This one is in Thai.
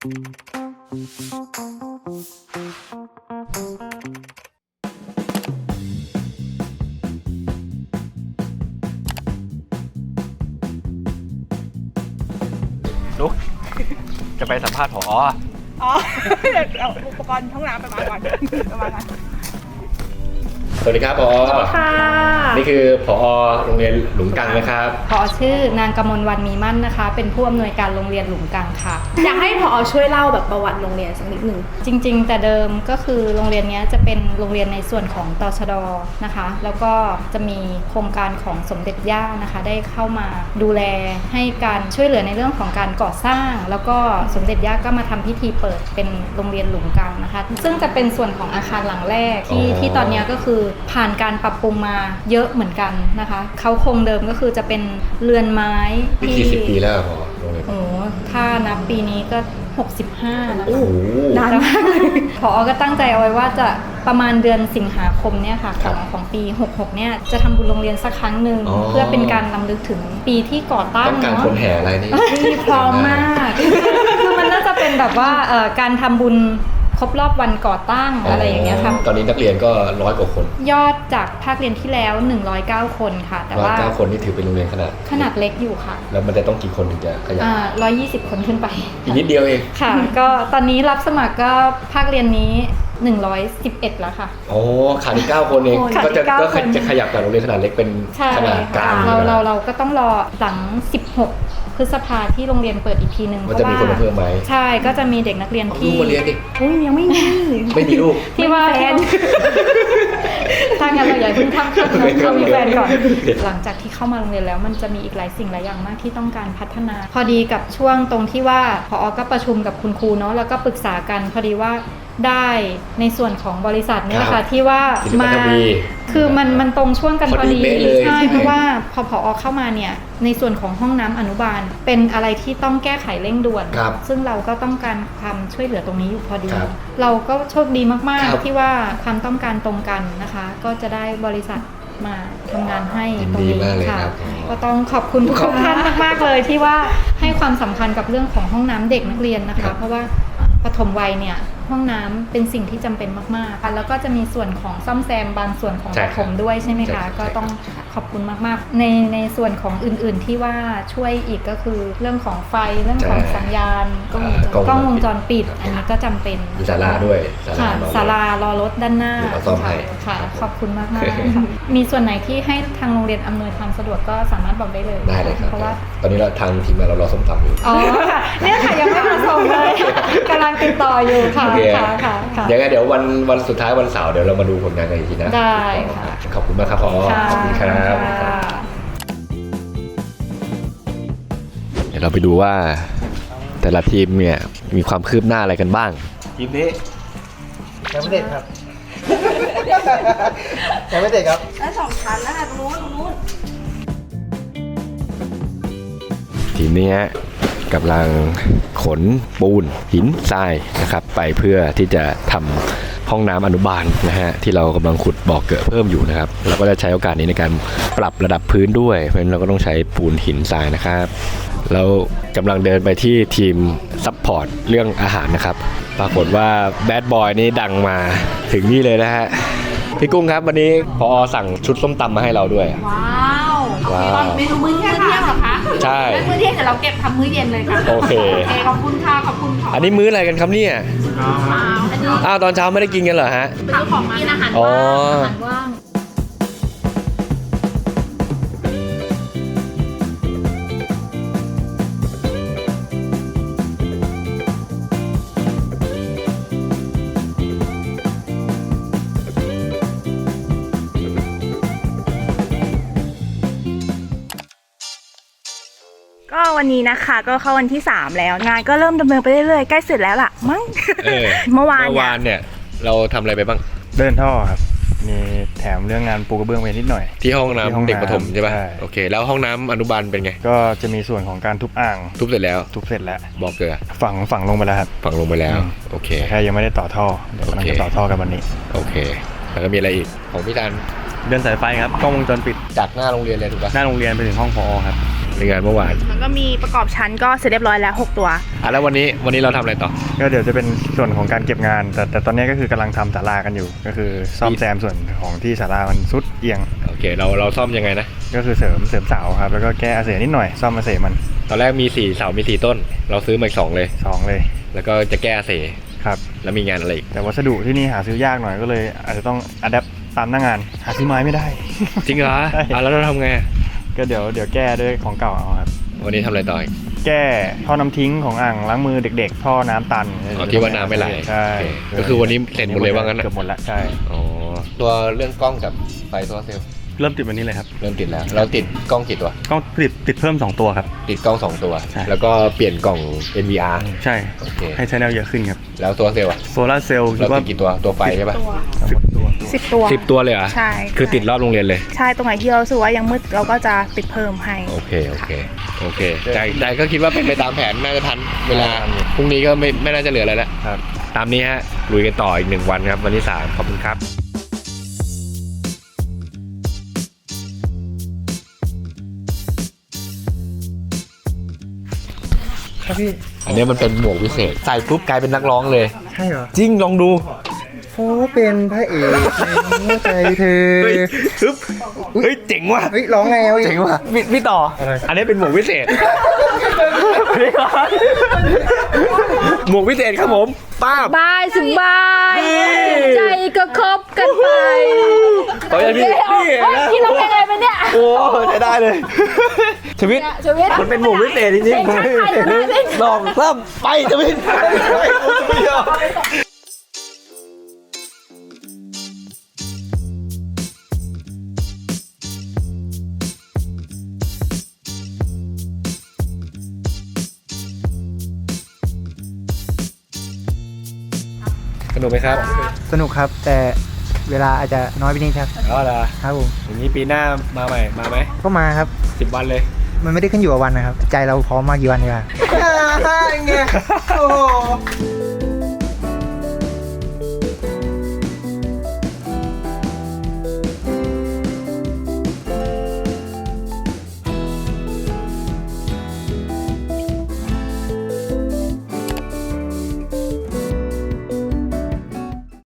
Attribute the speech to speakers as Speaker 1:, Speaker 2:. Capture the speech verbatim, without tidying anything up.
Speaker 1: ลุกจะไปสัมภาษณ์ผอ
Speaker 2: อ๋อเดี๋ยวเอาอุปกรณ์ห้องน้ำไปวางก่อนไปวางก่อน
Speaker 1: สวัสดีครับผอ
Speaker 3: ค่ะ
Speaker 1: นี่คือผอโรงเรียนหลุมกังนะครับ
Speaker 3: ผอชื่อนางกมลวรรณมีมั่นนะคะเป็นผู้อำนวยการโรงเรียนหลุมกังค่ะ
Speaker 2: อยากให้ผอช่วยเล่าแบบประวัติโรงเรียนสักนิดหนึ่ง
Speaker 3: จริงๆแต่เดิมก็คือโรงเรียนนี้จะเป็นโรงเรียนในส่วนของตชด.นะคะแล้วก็จะมีโครงการของสมเด็จย่านะคะได้เข้ามาดูแลให้การช่วยเหลือในเรื่องของการก่อสร้างแล้วก็สมเด็จย่าก็มาทำพิธีเปิดเป็นโรงเรียนหลุมกังนะคะซึ่งจะเป็นส่วนของอาคารหลังแรกที่ที่ตอนนี้ก็คือผ่านการปรับปรุงมาเยอะเหมือนกันนะคะเขาคงเดิมก็คือจะเป็นเรือนไม้
Speaker 1: ที่กี่สิบปีแล้วพอโรงเรียน
Speaker 3: โอ้ถ้านับปีนี้ก็หกสิบห้านะคะ
Speaker 1: โอ้
Speaker 3: นานมากผอก็ตั้งใจเอาไว้ว่าจะประมาณเดือนสิงหาคมเนี่ยค่ะของของปีหกสิบหกเนี่ยจะทำบุญโรงเรียนสักครั้งหนึ่งเพื่อเป็นการรำลึกถึงปีที่ก่อตั้ง
Speaker 1: ต้องการคนแห่อะไรนี่
Speaker 3: ที่พร้อมมากคือมันน่าจะเป็นแบบว่าการทำบุญครบรอบวันก่อตั้ง อ, อะไรอย่างเงี้ยค่ะ
Speaker 1: ตอนนี้นักเรียนก็ร้อยกว่าคน
Speaker 3: ยอดจากภาคเรียนที่แล้วหนึ่งร้อยเก้าคนค่ะแต่ว่า
Speaker 1: ร้อยเก้าคนนี่ถือเป็นโรงเรียนขนาด
Speaker 3: ขนาดเล็กอยู่ค่ะ
Speaker 1: แล้วมันจะต้องกี่คนถึงจะขยาย
Speaker 3: อ่าร้อยยี่สิบคนขึ้นไป
Speaker 1: อีกนิดเดียวเอง
Speaker 3: ค่ะก็ตอนนี้รับสมัครก็ภาคเรียนนี้หนึ่งร้อยสิบเอ็ดแล้วค่ะ
Speaker 1: โอ้ขาดอีกเก้าคนเองก็จะก็จะขยับจากโรงเรียนขนาดเล็กเป็นขนาดกลาง
Speaker 3: เราเราเราก็ต้องรอหลังสิบหกพฤษภาที่โรงเรียนเปิดอีกทีนึงเพราะว่า
Speaker 1: จะมีคนเพิ่มไหม
Speaker 3: ใช่ก็จะมีเด็กนักเรียนที่
Speaker 1: ลูกมาเรียนดิ
Speaker 3: อุ้ยยังไม่มี
Speaker 1: ไม่มีลูก
Speaker 3: ที่ว่าแฟนถ้างั้นเราอย่าเพิ่งทำขั้นเขามีแฟนก่อนหลังจากที่เข้ามาโรงเรียนแล้วมันจะมีอีกหลายสิ่งหลายอย่างมากที่ต้องการพัฒนาพอดีกับช่วงตรงที่ว่าผอก็ประชุมกับคุณครูเนาะแล้วก็ปรึกษากันพอดีว่าได้ในส่วนของบริษัทนี่แหละค่ะที่ว่ามาคือมันมันตรงช่วงกันพอดีใช่เพราะว่าพอผอเข้ามาเนี่ยในส่วนของห้องน้ำอนุบาลเป็นอะไรที่ต้องแก้ไขเร่งด่วนซึ่งเราก็ต้องการความช่วยเหลือตรงนี้อยู่พอดีเราก็โชคดีมากๆที่ว่าความต้องการตรงกันนะคะก็จะได้บริษัทมาทำงานให้ตรงนี้ค่ะก็ต้องขอบคุณทุกท่านมากๆเลยที่ว่าให้ความสำคัญกับเรื่องของห้องน้ำเด็กนักเรียนนะคะเพราะว่าปฐมวัยเนี่ยห้องน้ำเป็นสิ่งที่จำเป็นมากๆแล้วก็จะมีส่วนของซ่อมแซมบางส่วนของปฐมด้วยใช่ไหมคะก็ต้องขอบคุณมากๆในในส่วนของอื่นๆที่ว่าช่วยอีกก็คือเรื่องของไฟเรื่องของสัญญาณกล้องวงจรปิดอันนี้ก็จำเป็น
Speaker 1: ศาลาด้วย
Speaker 3: ค่ะศาลารอรถด้านหน้าค่ะขอบคุณมากๆค่ะมีส่วนไหนที่ให้ทางโรงเรียนอำนวยความสะดวกก็สามารถบอกได้เลย
Speaker 1: ได้เลยครับ
Speaker 3: เพราะว่า
Speaker 1: ตอนนี้เราทางทีมงานเรารอส้มตำอยู่
Speaker 3: อ๋อค่ะเนี่ยค่ะยังไม่มาส่งเลยกำลังติดต่ออยู่ค่ะค่ะค่ะ
Speaker 1: ยังไงเดี๋ยววันวันสุดท้ายวันเสาร์เดี๋ยวเรามาดูผลงานกันอีกทีนะ
Speaker 3: ได้ค่ะ
Speaker 1: ขอบคุณมากครับพ่อขอบคุณครับเดี๋ยวเราไปดูว่าแต่ละทีมเนี่ยมีความคืบหน้าอะไรกันบ้าง
Speaker 4: ทีมนี้ยังไม่เด็ดครับยังไม่เด็ดครับ
Speaker 2: แล้วสองชั้นแล้วค่ะตรงนู้นตรงนู้น
Speaker 1: ทีมนี้กำลังขนปูนหินทรายนะครับไปเพื่อที่จะทำห้องน้ำอนุบาลนะฮะที่เรากำลังขุดบ่อเกิดเพิ่มอยู่นะครับเราก็จะใช้โอกาสนี้ในการปรับระดับพื้นด้วยเพราะฉะนั้นเราก็ต้องใช้ปูนหินทรายนะครับแล้วกำลังเดินไปที่ทีมซัพพอร์ตเรื่องอาหารนะครับปรากฏว่าแบดบอยนี่ดังมาถึงนี่เลยนะฮะพี่กุ้งครับวันนี้พอสั่งชุดส้มตำมาให้เราด้วย
Speaker 2: ว้าวว้าวเมนูมื้อเที่ยงเหรอคะ
Speaker 1: ใช่
Speaker 2: มื้อเที่ยงเดี๋ยวเราเก็บทำมื้อเย็นเลยค่ะ
Speaker 1: โอเค
Speaker 2: ขอบคุณค่ะขอบคุณค่ะ
Speaker 1: อันนี้มื้ออะไรกันครับเนี่ยอ้าวตอนเช้าไม่ได้กินกันเหรอฮะ
Speaker 2: เป็นของกินอาหารว่างอาหารว่างก็วันนี้นะคะก็เข้าวันที่สามแล้วงานก็เริ่มดำเนินไปเรื่อยๆใกล้เสร็จแล้วล่ะมั้งเมื่อวาน
Speaker 1: เนี่ยเราทำอะไรไปบ้าง
Speaker 4: เดินท่อครับมีแถมเรื่องงานปูกระเบื้องไปนิดหน่อย
Speaker 1: ที่ห้องน้ำเด็กประถมใช่ป่ะโอเคแล้วห้องน้ำอนุบาลเป็นไง
Speaker 4: ก็จะมีส่วนของการทุบอ่าง
Speaker 1: ทุบเสร็จแล้ว
Speaker 4: ทุบเสร็จแล้ว
Speaker 1: บอกเกลือ
Speaker 4: ฝังฝังลงไปแล้วครับ
Speaker 1: ฝังลงไปแล้วโอเค
Speaker 4: แค่ยังไม่ได้ต่อท่อเดี๋ยวกำลังจะต่อท่อกันวันนี้
Speaker 1: โอเคแล้วก็มีอะไรอีกของพี่ธัน
Speaker 4: เดินสายไฟครับกล้องวงจรปิด
Speaker 1: จากหน้าโรงเรียนเลยถูกป่ะ
Speaker 4: หน้าโรงเรียนไปถึงห้องผอครับ
Speaker 1: โอเคในงานเมื่อวาน
Speaker 2: แล้วก็มีประกอบชั้นก็เสร็จเรียบร้อยแล้วหกตัว
Speaker 1: อ่ะแล้ววันนี้วันนี้เราทำอะไรต่อ
Speaker 4: ก็เดี๋ยวจะเป็นส่วนของการเก็บงาน แต่แต่ตอนนี้ก็คือกำลังทำศาลากันอยู่ ก็คือซ่อมแซมส่วนของที่ศาลามันซุดเอียง
Speaker 1: โอเคเราเราซ่อมยังไงนะ
Speaker 4: ก็คือเสริมเสริมเสาครับแล้วก็แก้อาเสนิดหน่อยซ่อมอาเสมัน
Speaker 1: ตอนแรกมีสี่เสามีสี่ต้น เราซื้อมาอีกสองเลย
Speaker 4: สองเลย
Speaker 1: แล้วก็จะแก้เส
Speaker 4: ครับ
Speaker 1: แล้วมีงานอะไรอีก
Speaker 4: แต่วัสดุที่นี่หาซื้อยากหน่อยก็เลยอาจจะต้องอัดแอปตามหน้างานหาซื้อไม้ไม่ได้
Speaker 1: จริงเหรอ
Speaker 4: ใช่
Speaker 1: อ่ะแล้วเราทำไง
Speaker 4: ก็เดี๋ยวเดี๋ยวแก้ด้วยของเก่าเอาครับ
Speaker 1: วันนี้ทำอะไรต่ออีก
Speaker 4: แก้ท่อน้ำทิ้งของอ่างล้างมือเด็กๆ ท่อน้ำตัน
Speaker 1: อ๋อที่ว่าน้ำไม่ไหล
Speaker 4: ใช่
Speaker 1: โอเคก็คือวันนี้เสร็จหมดเลยว่างั้นนะ
Speaker 4: เกือบหมดแล้วใช่
Speaker 1: อ๋อตัวเรื่องกล้องกับไฟโซลาร์เซลล์
Speaker 5: เริ่มติดวันนี้เลยครับ
Speaker 1: เริ่มติดแล้ว เราติดกล้องกี่ตัว
Speaker 5: กล้องติดติดเพิ่มสองตัวครับ
Speaker 1: ติดกล้องสองตัว
Speaker 5: ใช่
Speaker 1: แล้วก็เปลี่ยนกล่อง เอ็น วี อาร์
Speaker 5: ใช่
Speaker 1: โอเค
Speaker 5: ให้ใช้แนวเยอะขึ้นครับ
Speaker 1: แล้วโซลาร์เซลล์อะ
Speaker 5: โซลาร์เซลล์คิ
Speaker 1: เรา
Speaker 5: ดว่า
Speaker 1: ติดกี่ตัวตัวไฟใช่ปะ
Speaker 2: ตัว
Speaker 5: สิบตัว
Speaker 2: สิบตัว
Speaker 1: สิบตัวเลยเหรอ
Speaker 2: ใช่
Speaker 1: คือติดรอบโรงเรียนเลย
Speaker 2: ใช่ตรงไหนที่เรารู้สึกว่ายังมืดเราก็จะติดเพิ่มให้
Speaker 1: โอเค โอเค โอเค ใจใจก็คิดว่าเป็นไปตามแผนน่าจะทันเวลา พรุ่งนี้ก็ไม่ไม่น่าจะเหลืออะไรแล้ว
Speaker 4: ครับ
Speaker 1: ตามนี้ฮะ ลุยกันต่ออีกหนึ่งวันครับ วันที่สามขอบคุณครับ
Speaker 5: ครับพี่
Speaker 1: อันนี้มันเป็นหมวกวิเศษ ใส่ปุ๊บกลายเป็นนักร้องเลย
Speaker 5: ใช่เหรอ
Speaker 1: จริง ลองดู
Speaker 5: โอ้เป็นพระเอกในหัวใจเธอ
Speaker 1: เฮ้ยฮึบเฮ้ย เจ๋งว่ะ
Speaker 5: เฮ้ยร้องไงวะ
Speaker 1: เจ๋งว่ะพี่พี่ต่อ อันนี้เป็นหมวกวิเศษ หมวกวิเศษครับผมป้าบ
Speaker 3: บายสบาย
Speaker 1: นี่
Speaker 3: ใจก็คบกันไป
Speaker 1: ต่อจากนี้นี่นะ
Speaker 3: ที่เราเป็นอะไรไปเนี่ย
Speaker 1: โอ้ใช้ได้เลยชีวิต
Speaker 3: ชีวิต
Speaker 1: มันเป็นหมวกวิเศษจริงๆ
Speaker 3: ใช่ใช่ใช่ใช่
Speaker 1: ลองซ้ำไปชีวิตสนุกไหมครับ
Speaker 6: สนุกครับ แต่เวลาอาจจะน้อยไปนิดครับ
Speaker 1: อ๋อเหรอ
Speaker 6: ครับผม
Speaker 1: อย่างนี้ปีหน้ามาใหม่มาไหม
Speaker 6: ก็มาครับ
Speaker 1: สิบวันเลย
Speaker 6: มันไม่ได้ขึ้นอยู่กับวันนะครับ ใจเราพร้อมมากกี่วันดีกว่า
Speaker 1: ไงโอ้